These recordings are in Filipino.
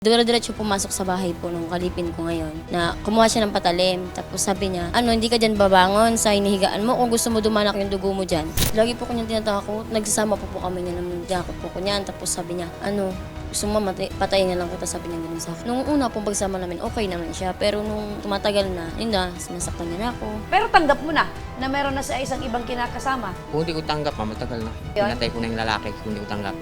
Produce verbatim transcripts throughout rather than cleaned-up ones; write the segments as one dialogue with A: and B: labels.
A: Dire-diretso pumasok sa bahay po nung kalipin ko ngayon na kumuha siya ng patalim. Tapos sabi niya, ano, hindi ka dyan babangon sa hinihigaan mo kung gusto mo dumanak yung dugo mo dyan. Lagi po kanyang tinatako, nagsasama po po kami niya ng jakot po ko niyan. Tapos sabi niya, ano, gusto mo matay, patayin na lang kita, sabi niya ganun sa akin. Nung una pong pagsama namin, okay naman siya. Pero nung tumatagal na, yun na, sinasaktan niya na ako.
B: Pero tanggap mo na na meron na sa isang ibang kinakasama.
C: Kung hindi ko tanggap, ma, matagal na.
B: Yun?
C: Pinatay ko na yung lalaki kung hindi ko tanggap.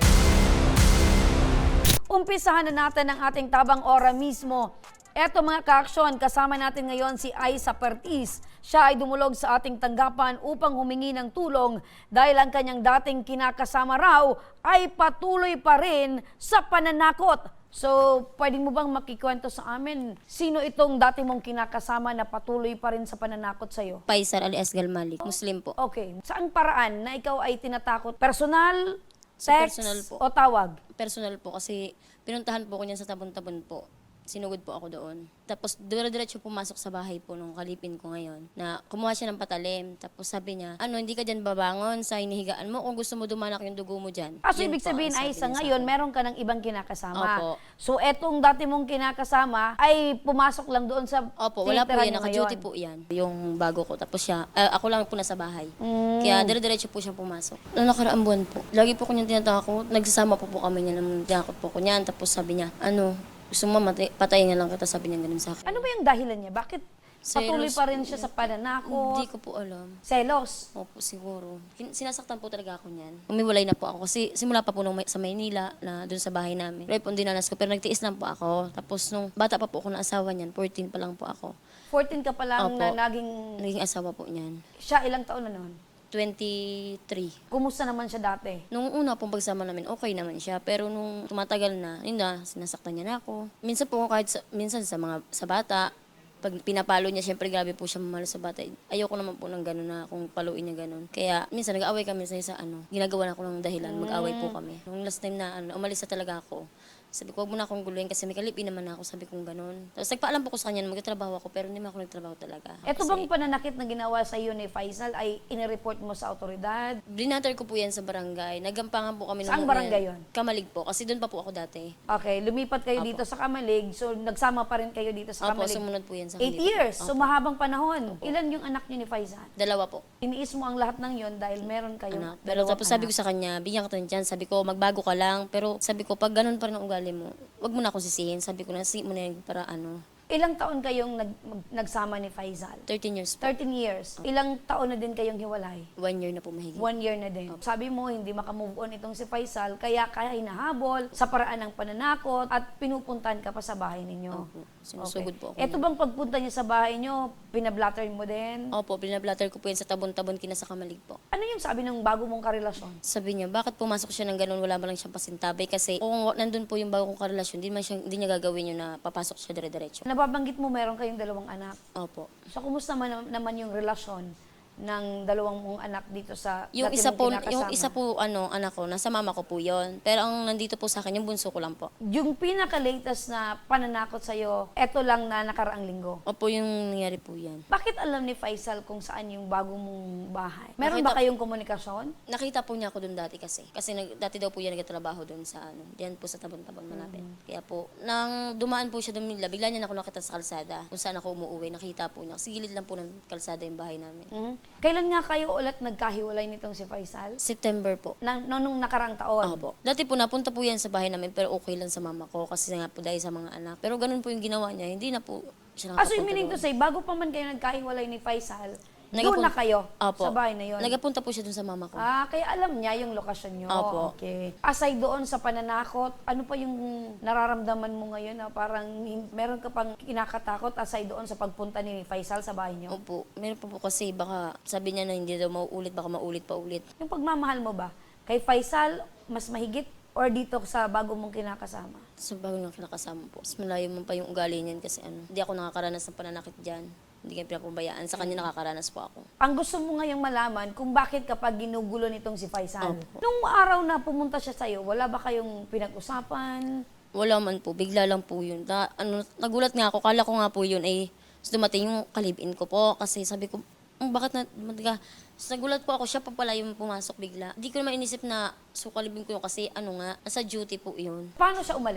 B: Umpisahan na natin ang ating tabang ora mismo. Eto mga ka-aksyon, kasama natin ngayon si Aiza Pertiz. Siya ay dumulog sa ating tanggapan upang humingi ng tulong dahil ang kanyang dating kinakasama raw ay patuloy pa rin sa pananakot. So, pwede mo bang makikwento sa amin sino itong dati mong kinakasama na patuloy pa rin sa pananakot sa'yo?
A: Paisar alias Galmalik, Muslim po.
B: Okay, saan paraan na ikaw ay tinatakot? Personal,
A: Sa
B: text,
A: personal po.
B: o tawag?
A: Personal po kasi pinuntahan po ko niyan sa tabon-tabon po. Sinugod po ako doon. Tapos dire-diretso pumasok sa bahay po nung kalipin ko ngayon na kumuha siya ng patalim. Tapos sabi niya, ano, hindi ka dyan babangon sa hinihigaan mo kung gusto mo dumanak yung dugo mo dyan.
B: Ah, so
A: Yun
B: ibig
A: po ang
B: sabihin
A: sabi
B: ay sa
A: niya
B: ngayon,
A: akin.
B: meron ka ng ibang kinakasama.
A: Opo.
B: So etong dati mong kinakasama ay pumasok lang doon sa
A: Opo, wala po
B: tinitirahan
A: yan.
B: niyo
A: Naka-duty
B: ngayon.
A: po yan. Yung bago ko. Tapos siya, ah, ako lang po nasa bahay.
B: Mm.
A: Kaya dire-diretso po siyang pumasok. Noong nakaraang buwan po, lagi po ko niyang tinatakot. Nagsasama po po kami niya ng tinakot po ko niyan. Tapos sabi niya, ano, gusto mo matay, patayin na lang kita, sabi niya ganun sa akin.
B: Ano ba yung dahilan niya? Bakit patuloy
A: Selos
B: pa rin siya
A: po
B: sa pananakot?
A: Hindi ko po alam.
B: Selos?
A: Opo, siguro. Kin- Sinasaktan po talaga ako niyan. Umiwalay na po ako kasi simula pa po nung may- sa Maynila na doon sa bahay namin. Pero po dinanas ko pero nagtiis lang po ako. Tapos nung bata pa po ako na asawa niyan, fourteen pa lang po ako.
B: fourteen ka pa lang
A: Opo.
B: na naging...
A: Naging asawa po niyan.
B: Siya ilang taon na noon?
A: twenty-three.
B: Kumusta naman siya dati?
A: Nung una pong pagsama namin, okay naman siya. Pero nung tumatagal na, yun na, sinasaktan niya na ako. Minsan po kahit sa, minsan sa mga sa bata, pag pinapalo niya, syempre grabe po siya mamalo sa bata. Ayoko naman po ng gano'n na kung paluin niya gano'n. Kaya minsan nag-away kami sa isa, ano, ginagawa na ako ng dahilan, mag-away po kami. Nung last time na ano, umalis na talaga ako, sabi ko, huwag mo na akong guluhin kasi may kalipin naman ako, sabi kong gano'n. Tapos nagpaalam po ko sa kanya na magtatrabaho ako, pero hindi man ako nagtrabaho talaga.
B: Ito
A: Kasi
B: bang pananakit na ginawa sa iyo ni Faisal ay inireport mo sa autoridad?
A: Binatter ko po yan sa barangay. Nagampangan po kami.
B: Saang
A: nung una
B: barangay
A: yan.
B: yun?
A: Kamalig po, kasi doon pa po ako dati.
B: Okay, lumipat kayo dito sa Kamalig, so nagsama pa rin kayo dito sa
A: Opo,
B: Kamalig.
A: sumunod po yan sa
B: Eight
A: kanila.
B: years, so mahabang panahon. Ilan yung anak niyo ni Faisal?
A: Dalawa po.
B: Iniis mo ang lahat ng yon dahil meron kayo.
A: Anak. Pero tapos sabi ko sa kanya, bigyan ka ng chance. Sabi ko, magbago ka lang. Pero sabi ko, pag ganun pa rin ang ugali mo, wag mo na akong sisihin. Sabi ko, nasi mo na yun para ano,
B: Ilang taon kayong nag, mag- nagsama ni Faisal?
A: thirteen years po.
B: thirteen years. Ilang taon na din kayong hiwalay?
A: One year na po mahigit.
B: One year na din. Sabi mo, hindi makamove on itong si Faisal, kaya kaya hinahabol sa paraan ng pananakot at pinupuntahan ka pa sa bahay ninyo.
A: Opo. Sinusugod po ako.
B: Ito bang pagpunta niya sa bahay niyo, pinablatter mo din?
A: Opo, binablatter ko po yan sa tabon-tabon kina sa Kamalig po.
B: Ano yung sabi ng bago mong karelasyon?
A: Sabi niya, bakit pumasok siya ng ganun, wala ba lang siyang pasintabay? Kasi kung nandun po yung bago kong karelasyon, di, man siya, di niya gagawin yun na papasok siya dire-diretso.
B: Nababanggit mo meron kayong dalawang anak.
A: Opo.
B: So, kumusta man, naman yung relasyon ng dalawang mong anak dito sa
A: Yung
B: dati
A: isa
B: mong
A: po,
B: kinakasama?
A: yung isa po ano, anak ko, nasa mama ko po 'yon. Pero ang nandito po sa akin yung bunso ko lang po.
B: Yung pinaka-latest na pananakot sa'yo, eto lang na nakaraang linggo.
A: Opo, yung nangyari po 'yan.
B: Bakit alam ni Faisal kung saan yung bago mong bahay? Meron
A: Nakita-
B: ba kayong komunikasyon?
A: Nakita po niya ako doon dati kasi. Kasi nag, dati daw po yan nagtatrabaho doon sa ano, diyan po sa tabon-tabon malapit. Kaya po, nang dumaan po siya doon nila, bigla niya na ako nakita sa kalsada. Kung saan ako umuwi, nakita po niya. Kasi gilid lang po ng kalsada yung bahay namin.
B: Mhm. Kailan nga kayo ulit nagkahiwalay nitong si Faisal?
A: September po.
B: Na, no, nung nakaraang taon?
A: Opo. Dati po napunta po yan sa bahay namin pero okay lang sa mama ko kasi nga po dahil sa mga anak. Pero ganun po yung ginawa niya, hindi na po siya
B: Ah, so
A: nakapunta
B: yung meaning to
A: doon.
B: say, bago pa man kayo nagkahiwalay ni Faisal, doon
A: Nagapun-
B: na kayo
A: Opo.
B: sa bahay na yun?
A: Nagapunta po siya doon sa mama ko.
B: Ah, kaya alam niya yung lokasyon niyo.
A: Opo.
B: Okay. Aside doon sa pananakot, ano pa yung nararamdaman mo ngayon na parang hin- meron ka pang kinakatakot aside doon sa pagpunta ni Faisal sa bahay niyo?
A: Opo. Meron po po kasi baka sabi niya na hindi daw mauulit, baka maulit pa ulit.
B: Yung pagmamahal mo ba, kay Faisal, mas mahigit or dito sa bago mong kinakasama?
A: So bago nang kinakasama po. Mas malayo mo pa yung ugali niyan kasi ano, hindi ako nakakaranas ng pananakit dyan. Hindi kayo pinapabayaan. Sa kanya nakakaranas po ako.
B: Ang gusto mo ngayong malaman kung bakit kapag ginugulo nitong si Faisal.
A: Opo.
B: Nung araw na pumunta siya sa'yo, wala ba kayong pinag-usapan?
A: Wala man po, bigla lang po yun. Da, ano, nagulat nga ako, kala ko nga po yun ay dumating yung kalibin ko po kasi sabi ko, "Hmm, bakit na, matiga?" So, nagulat po ako, siya pa pala yung pumasok bigla. Hindi ko naman inisip na sukalibin ko yun kasi ano nga, nasa duty po yun.
B: Paano siya umalis?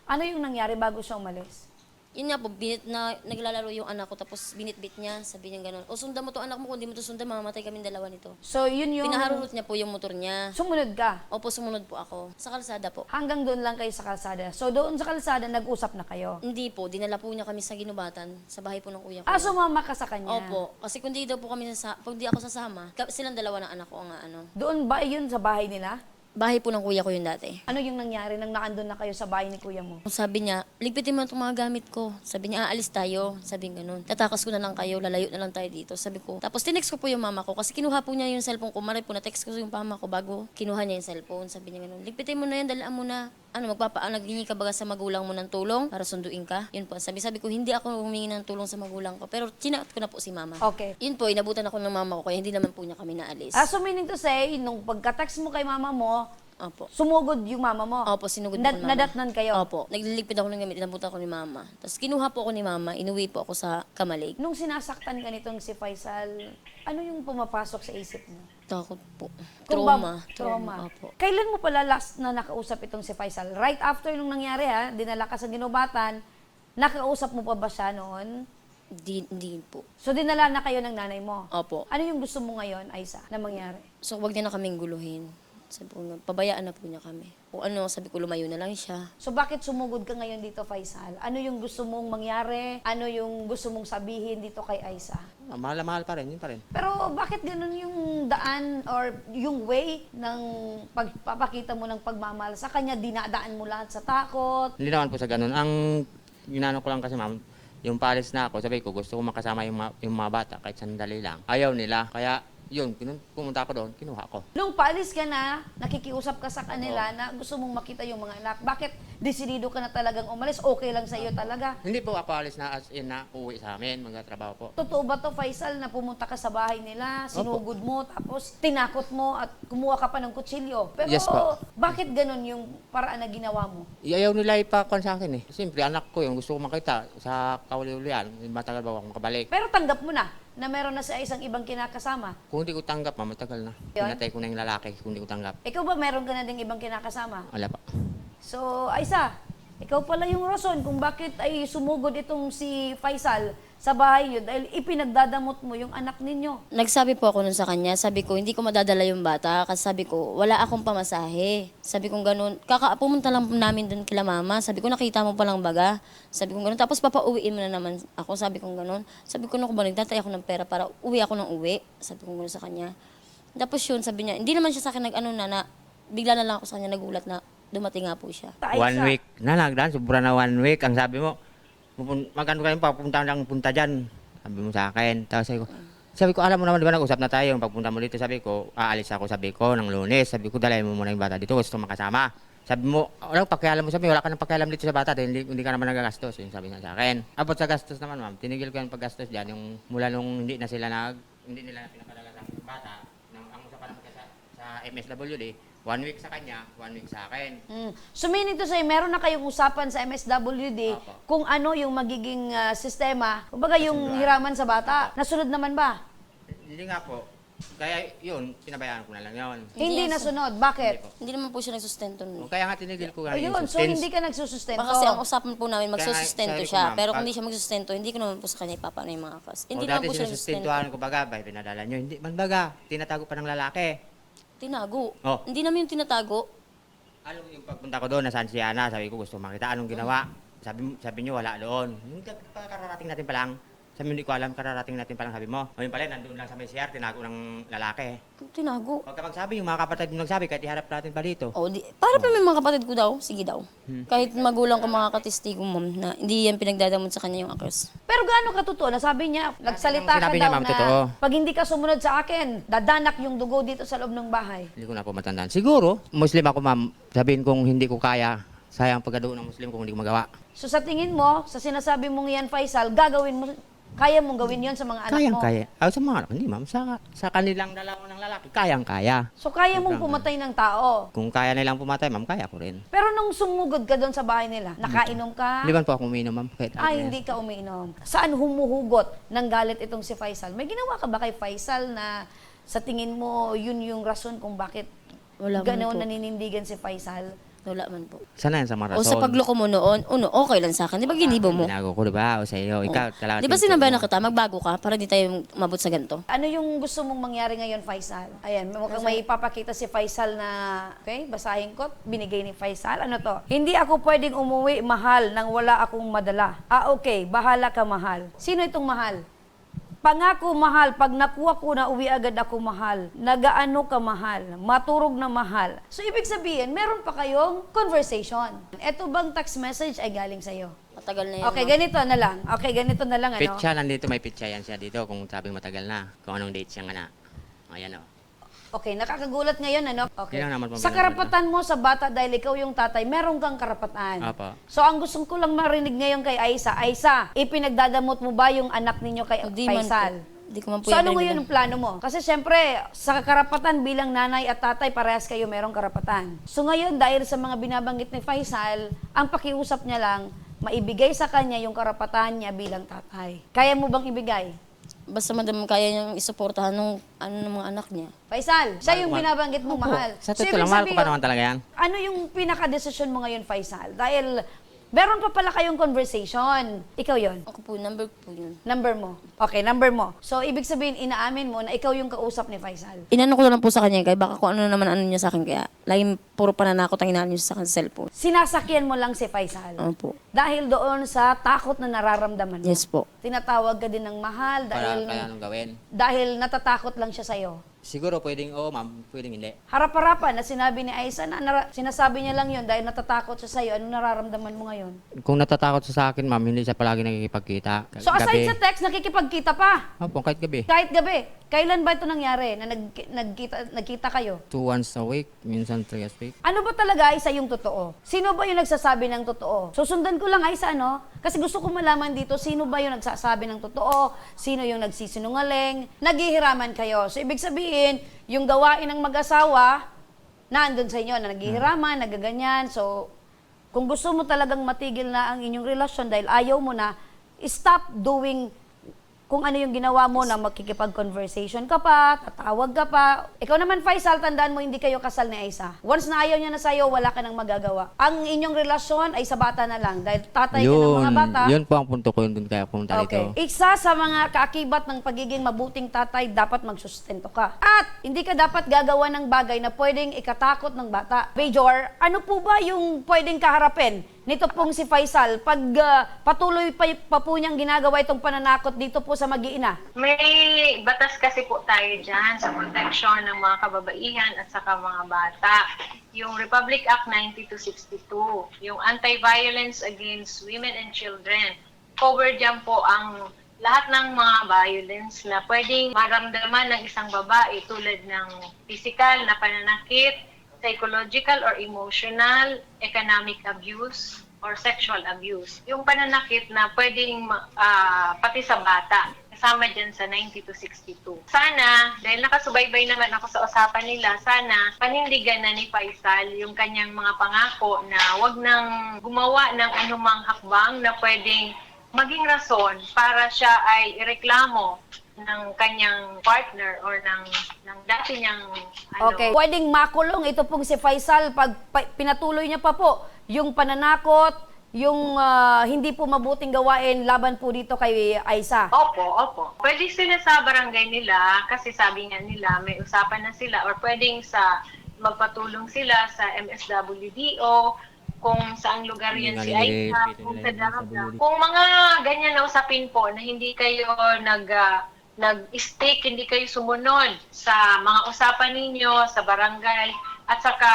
B: Ano yung nangyari bago siya umalis?
A: Yun nga po, binit na, naglalaro yung anak ko, tapos binitbit niya, sabi niya gano'n, o sundan mo to anak mo, kung di mo to sundan, mamamatay kaming dalawa nito.
B: So, yun yung...
A: Pinaharurot niya po yung motor niya.
B: Sumunod ka.
A: Opo, sumunod po ako. Sa kalsada po.
B: Hanggang doon lang kayo sa kalsada. So, doon sa kalsada, nag-usap na kayo.
A: Hindi po, dinala po niya kami sa ginubatan, sa bahay po ng kuya ko.
B: Ah, sumama ka sa kanya?
A: Opo, kasi kung di daw po kami sasa, pag di ako sasama, ka- silang dalawa ng anak ko ang ano.
B: Doon ba yun sa bahay nila?
A: Bahay po ng kuya ko yun dati.
B: Ano yung nangyari nang naandun na kayo sa bahay ni kuya mo?
A: Sabi niya, ligpitin mo itong mga gamit ko. Sabi niya, aalis tayo. Sabi nga ganun. Tatakas ko na lang kayo, lalayo na lang tayo dito. Sabi ko. Tapos tinext ko po yung mama ko kasi kinuha po niya yung cellphone ko. Maray po na text ko yung mama ko bago kinuha niya yung cellphone. Sabi niya ganun, ligpitin mo na yan, dalaan mo na. Ano, magpapaan, naghingi ka baga sa magulang mo ng tulong para sunduin ka? Yun po. Sabi, sabi ko, hindi ako humingi ng tulong sa magulang ko. Pero chinat ko na po si mama.
B: Okay.
A: Yun po, inabutan ako ng mama ko kaya hindi naman po niya kami naalis.
B: Ah, so meaning to say, nung pagka-text mo kay mama mo,
A: Opo.
B: sumugod yung mama mo?
A: Opo, sinugod
B: Na-
A: po ng mama.
B: nadatnan kayo?
A: Opo. Nagliligpit ako ng gamit, inabutan ko ni mama. Tapos kinuha po ako ni mama, inuwi po ako sa Kamalig.
B: Nung sinasaktan ka nitong si Faisal, ano yung pumapasok sa isip mo?
A: Takot po.
B: Kung
A: Trauma.
B: ba- trauma.
A: Opo.
B: Kailan mo pala last na nakausap itong si Faisal? Right after nung nangyari ha, dinala ka sa ginubatan, nakausap mo pa ba siya noon?
A: Di, di po.
B: So dinala na kayo ng nanay mo?
A: Opo.
B: Ano yung gusto mo ngayon, Aisa, na mangyari?
A: So, wag niya na kaming guluhin. Sabi ko nga, pabayaan na po niya kami. Kung ano, sabi ko, lumayo na lang siya.
B: So bakit sumugod ka ngayon dito, Faisal? Ano yung gusto mong mangyari? Ano yung gusto mong sabihin dito kay Aisa?
C: Ah, mahal na mahal pa rin, yun pa rin.
B: Pero bakit ganun yung daan or yung way ng pagpapakita mo ng pagmamahal sa kanya? Dinadaan mo lahat sa takot?
C: Hindi naman po sa ganun. Ang ginano ko lang kasi ma'am, yung palis na ako, sabi ko gusto ko makasama yung, ma- yung mga bata kahit sandali lang. Ayaw nila, kaya yun, pinun- pumunta ako doon, kinuha ko.
B: Nung paalis ka na, nakikiusap ka sa kanila na gusto mong makita yung mga anak. Bakit desidido ka na talagang umalis? Okay lang sa iyo talaga?
C: Hindi po ako alis na as in na uwi sa amin, magtatrabaho po.
B: Totoo ba to, Faisal, na pumunta ka sa bahay nila, sinugod mo, tapos tinakot mo at kumuha ka pa ng kutsilyo? Pero
C: Yes po.
B: bakit ganun yung paraan na ginawa mo?
C: Ayaw nila ipakuan sa akin eh. Siyempre, anak ko yun, gusto ko makita sa kauli-ulian, matagal ba ako makabalik.
B: Pero tanggap mo na na meron na sa isang ibang kinakasama.
C: Kung hindi ko tanggap, ma'am, matagal na.
B: Yun?
C: Pinatay ko na yung lalaki kung hindi ko tanggap.
B: Ikaw ba meron ka na ding ibang kinakasama?
C: Wala pa.
B: So, Aisa, ikaw pala yung rason kung bakit ay sumugod itong si Faisal sa bahay niyo dahil ipinagdadamot mo yung anak ninyo.
A: Nagsabi po ako nun sa kanya, sabi ko, hindi ko madadala yung bata kasi sabi ko, wala akong pamasahe. Sabi ko ganun, kaka pumunta lang namin dun kila mama, sabi ko, nakita mo palang baga. Sabi ko ganun, tapos papauwiin mo na naman ako, sabi ko ganun. Sabi ko, naku ba, nagtatay ako ng pera para uwi ako ng uwi. Sabi ko ganun sa kanya. Tapos yun, sabi niya, hindi naman siya sa akin nag-ano na, na, bigla na lang ako sa kanya nagulat na dumating nga po siya.
B: Aisa,
C: One week na nagdaan, sobra na one week. Ang sabi mo, pupun- magkano kayo papunta lang punta dyan. Sabi mo sa akin. Tapos sabi ko, sabi ko, alam mo naman, di ba nag-usap na tayo. Pagpunta mo dito, sabi ko, aalis ako, sabi ko, ng Lunes. Sabi ko, dalayan mo muna yung bata dito, gusto makasama. Sabi mo, walang pakialam mo, sabi, wala ka ng pakialam dito sa bata, dahil hindi, hindi ka naman nagagastos. Yung sabi niya sa akin. Abot sa gastos naman, ma'am, tinigil ko yung paggastos dyan, yung mula nung hindi na sila nag, hindi nila pinapadala sa bata, nang ang usapan naman sa, sa M S W D, one week sa kanya, one week sa akin.
B: Mm. So meaning to say, meron na kayong usapan sa M S W D
C: Apo.
B: kung ano yung magiging ah, sistema, kumbaga yung
C: Kasunduan.
B: hiraman sa bata. Nasunod naman ba?
C: Hindi nga po. Kaya yun, pinabayaan ko na lang yun.
B: Hindi,
A: Hindi
B: nasunod. Bakit?
C: Hindi po.
A: Hindi naman po siya nagsusustento nun.
C: O, Kaya nga tinigil ko nga yung
B: Ayun, so
C: suspense.
B: hindi ka nagsusustento.
A: Baka kasi ang usapan po namin,
C: Kaya nga,
A: magsusustento
C: sabi ko,
A: siya.
C: ma'am,
A: Pero
C: pag-
A: kung hindi siya magsusustento, hindi ko naman po sa kanya ipapano yung mga kas. Hindi
C: o
A: naman
C: dati
A: po siya nagsusustento.
C: sinusustentuhan ko baga, bay, pinadala nyo. Hindi, man baga, tinatago pa ng lalaki.
A: Tinago.
C: Oh.
A: Hindi namin yung tinatago.
C: Alam mo yung pagpunta ko doon, nasaan si Ana, sabi ko gusto makita anong ginawa. Sabi, sabi nyo, wala doon. Yung kararating natin pa lang, sabi mo, hindi ko alam, kararating natin pa lang, sabi mo. O yun pala, nandun lang sa may C R, tinago ng lalaki.
A: Tinago.
C: Pagka magsabi, yung mga kapatid mo nagsabi, kahit iharap natin pa dito.
A: O, di, para pa may mga kapatid ko daw. Sige daw. Kahit magulang ko mga katistigo, ma'am, na hindi yan pinagdadamot sa kanya yung akers.
B: Pero gaano ka totoo? Nasabi niya, nagsalita ka
C: Sinabi
B: daw
C: niya, ma'am,
B: na
C: totoo.
B: pag hindi ka sumunod sa akin, dadanak yung dugo dito sa loob ng bahay.
C: Hindi ko na po matandaan. Siguro, Muslim ako ma'am, sabihin kong hindi ko kaya, sayang pagkado ng Muslim kung hindi ko magawa.
B: So sa tingin mo, sa sinasabi mong yan, Faisal, gagawin mo, kaya mong gawin yon sa mga anak
C: Kayang
B: mo?
C: kaya. Ah, sa mga anak, hindi ma'am, sa, sa kanilang dalawa ng lalaki, kayang kaya.
B: So kaya mong
C: Sobrang-
B: pumatay ng tao?
C: Kung kaya nilang pumatay, ma'am, kaya ko rin.
B: Pero nung sumugod ka doon sa bahay nila, nakainom ka?
C: Hindi man po ako uminom, ma'am. Kahit
B: Ay,
C: ano
B: hindi ka umiinom. Saan humuhugot ng galit itong si Faisal? May ginawa ka ba kay Faisal na sa tingin mo yun yung rason kung bakit
A: Wala man
B: ganoon
A: po.
B: naninindigan si Faisal?
A: Wala man po.
C: Sana yan sa mga
A: O sa
C: rason.
A: pagloko mo noon, uno, okay lang sa akin. Di ba ginibo mo?
C: Binago ko, di ba? O sa iyo. Ikaw, talaga.
A: Di ba sinabayan na kita, magbago ka para di tayo mabot sa ganito?
B: Ano yung gusto mong mangyari ngayon, Faisal? Ayan, mukhang may ipapakita si Faisal na, okay, basahin ko, binigay ni Faisal. Ano to? Hindi ako pwedeng umuwi mahal nang wala akong madala. Ah, okay, bahala ka mahal. Sino itong mahal? Pangako mahal, pag nakuha ko na uwi agad ako mahal. Nagaano ka mahal, maturog na mahal. So ibig sabihin, meron pa kayong conversation. Ito bang text message ay galing sa'yo?
A: Matagal na yan.
B: Okay,
A: ma'am.
B: ganito na lang. Okay, ganito na lang, ano?
C: Pitsa, nandito may pitsa yan siya dito kung sabing matagal na. Kung anong date siya nga na. Ayan o.
B: Okay, nakakagulat ngayon, ano? Okay.
C: Yun lang naman po
B: Sa
C: binanggit
B: karapatan mo sa bata dahil ikaw yung tatay, meron kang karapatan.
C: Apo.
B: So, ang gusto ko lang marinig ngayon kay Aisa, Aisa, ipinagdadamot mo ba yung anak ninyo kay
A: Hindi man
B: Faisal?
A: po. Di ko man po
B: So,
A: yan
B: ano
A: narinig.
B: ngayon ang plano mo? Kasi syempre, sa karapatan bilang nanay at tatay, parehas kayo merong karapatan. So, ngayon, dahil sa mga binabanggit ni Faisal, ang pakiusap niya lang, maibigay sa kanya yung karapatan niya bilang tatay. Kaya mo bang ibigay?
A: Basta madam kaya niyang isuportahan nung ano ng mga anak niya.
B: Faisal, siya yung
C: Mahal-
B: binabanggit mo mahal.
C: Sa
B: So,
C: totoo
B: ibig
C: lang, mahal ko pa
B: sabihin,
C: naman talaga yan.
B: ano yung pinaka-desisyon mo ngayon, Faisal? Dahil meron pa pala kayong conversation. Ikaw yon.
A: Ako po, number po yun.
B: Number mo. Okay, number mo. So, ibig sabihin, inaamin mo na ikaw yung kausap ni Faisal.
A: Inano ko na lang po sa kanya, kaya baka kung ano naman ano niya sa akin, kaya laging puro pananakot ang inano niya sa akin sa cellphone.
B: Sinasakyan mo lang si Faisal.
A: Ano po?
B: Dahil doon sa takot na nararamdaman mo.
A: Yes po.
B: Tinatawag ka din ng mahal
C: Para
B: dahil,
C: kaya anong gawin.
B: dahil natatakot lang siya sa'yo.
C: Siguro pwedeng oo, ma'am. Pwedeng hindi.
B: Harap-harapan na sinabi ni Aisa na nara- sinasabi niya lang yun dahil natatakot siya sa'yo. Anong nararamdaman mo ngayon?
C: Kung natatakot siya sa akin, ma'am, hindi siya palagi nakikipagkita.
B: So aside sa text, nakikipagkita pa.
C: Opo, kahit gabi.
B: Kahit gabi. Kailan ba ito nangyari na nag, nagkita, nagkita kayo?
C: Two once a week, minsan three a week.
B: Ano ba talaga Aisa yung totoo? Sino ba yung nagsasabi ng totoo? Susundan ko lang Aisa, ano? Kasi gusto ko malaman dito, sino ba yung nagsasabi ng totoo? Sino yung nagsisinungaling? Naghihiraman kayo. So ibig sabihin, yung gawain ng mag-asawa, nandun sa inyo na naghihiraman, nagaganyan. So, kung gusto mo talagang matigil na ang inyong relasyon dahil ayaw mo na, stop doing kung ano yung ginawa mo na makikipag-conversation ka pa, tatawag ka pa. Ikaw naman, Faisal, tandaan mo, hindi kayo kasal ni Aisa. Once na ayaw niya na sa'yo, wala ka nang magagawa. Ang inyong relasyon ay sa bata na lang. Dahil tatay ka ng mga bata.
C: Yun po ang punto ko yun dun kaya pumunta
B: Okay.
C: dito.
B: Isa sa mga kaakibat ng pagiging mabuting tatay, dapat magsustento ka. At hindi ka dapat gagawa ng bagay na pwedeng ikatakot ng bata. Major, ano po ba yung pwedeng kaharapin nito pong si Faisal pag ah, patuloy pa, pa po niyang ginagawa itong pananakot dito po sa mag-iina?
D: May batas kasi po tayo dyan sa protection ng mga kababaihan at saka mga bata. Yung Republic Act ninety-two sixty-two, yung Anti-Violence Against Women and Children. Cover dyan po ang lahat ng mga violence na pwedeng maramdaman ng isang babae tulad ng physical na pananakit, psychological or emotional, economic abuse, or sexual abuse. Yung pananakit na pwedeng ah, pati sa bata, kasama dyan sa ninety-two sixty-two. Sana, dahil nakasubaybay naman ako sa usapan nila, sana panindigan na ni Faisal yung kanyang mga pangako na wag nang gumawa ng anumang hakbang na pwedeng maging rason para siya ay ireklamo ng kanyang partner or ng ng dati niyang ano.
B: Okay. Pwedeng makulong ito pong si Faisal pag pa- pinatuloy niya pa po yung pananakot, yung ah, hindi po mabuting gawain laban po dito kay Aisa.
D: Opo, opo. Pwede sila sa barangay nila kasi sabi nga nila may usapan na sila or pwedeng sa magpatulong sila sa M S W D O kung saang lugar yan si
C: Hindi nga
D: Aisa,
C: nililipit
D: kung
C: nila
D: sa
C: yung
D: Darabda.
C: M S W D.
D: Kung mga ganyan na usapin po na hindi kayo nag ah, nag-stick, hindi kayo sumunod sa mga usapan ninyo sa barangay at saka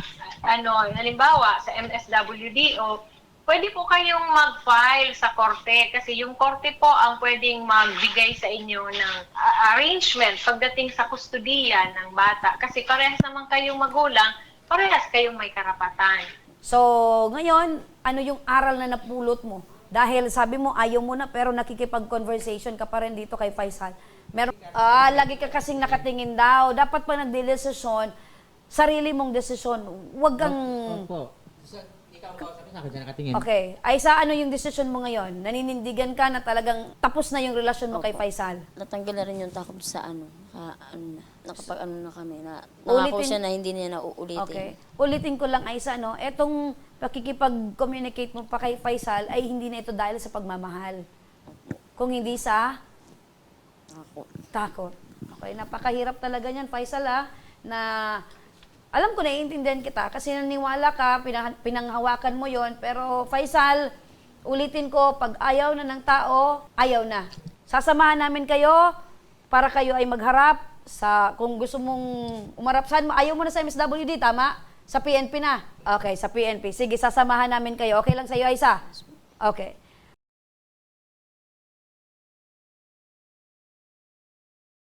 D: ano, halimbawa sa M S W D O, pwede po kayong mag-file sa korte kasi yung korte po ang pwedeng magbigay sa inyo ng uh, arrangement pagdating sa kustudiya ng bata kasi parehas naman kayong magulang, parehas kayong may karapatan.
B: So, ngayon, ano yung aral na napulot mo? Dahil sabi mo, ayaw mo na, pero nakikipag-conversation ka pa rin dito kay Faisal. Meron, ah, lagi ka kasing nakatingin daw. Dapat pa nagdedesisyon, sarili mong desisyon. Huwag kang...
C: Opo. Ikaw ang kausapin sa akin, dyan nakatingin.
B: Okay. Aisa, ano yung desisyon mo ngayon? Naninindigan ka na talagang tapos na yung relasyon mo kay Faisal?
A: Natanggal na rin yung takot sa ano, naka, ano na, nakapag ano na kami, na nangako
B: Ulitin-
A: siya na hindi niya na uulitin.
B: Okay. Ulitin ko lang, Aisa, no? Etong pakikipag-communicate mo pa kay Faisal ay hindi na ito dahil sa pagmamahal. Kung hindi sa
A: Ako.
B: takot. Okay, napakahirap talaga niyan, Faisal, ha? Na alam ko, naiintindihan kita kasi naniwala ka, pinang, pinanghawakan mo yon. Pero Faisal, ulitin ko, pag ayaw na ng tao, ayaw na. Sasamahan namin kayo para kayo ay magharap sa, kung gusto mong umarap, saan mo, ayaw mo na sa M S W D, tama? Sa P N P na. Okay, sa P N P. Sige, sasamahan namin kayo. Okay lang sa'yo, Aisa? Okay.